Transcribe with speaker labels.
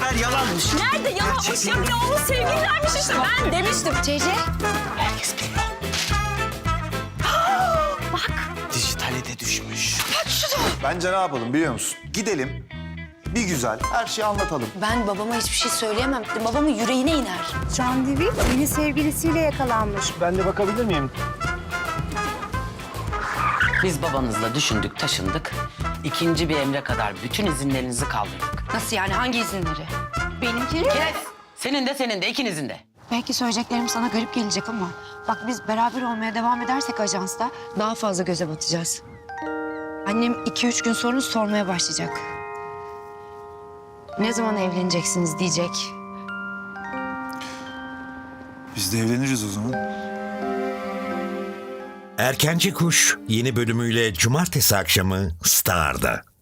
Speaker 1: Meğer yalanmış.
Speaker 2: Nerede yalanmış ya? Bir oğlu sevgililermiş işte. Ben demiştim.
Speaker 3: Cece.
Speaker 1: Herkes biliyor.
Speaker 2: Bak.
Speaker 1: Dijitale de düşmüş.
Speaker 4: Bence ne yapalım biliyor musun? Gidelim, bir güzel her şeyi anlatalım.
Speaker 3: Ben babama hiçbir şey söyleyemem. Babamın yüreğine iner.
Speaker 5: Can Divil yeni sevgilisiyle yakalanmış.
Speaker 6: Ben de bakabilir miyim?
Speaker 7: Biz babanızla düşündük, taşındık. İkinci bir emre kadar bütün izinlerinizi kaldırdık.
Speaker 3: Nasıl yani? Hangi izinleri?
Speaker 5: Benimkini
Speaker 7: Kes! Senin de, ikinizin de.
Speaker 3: Belki söyleyeceklerim sana garip gelecek ama... Bak biz beraber olmaya devam edersek ajansta daha fazla göze batacağız. Annem 2-3 gün sonra sormaya başlayacak. Ne zaman evleneceksiniz diyecek.
Speaker 4: Biz de evleniriz o zaman.
Speaker 8: Erkenci Kuş yeni bölümüyle cumartesi akşamı Star'da.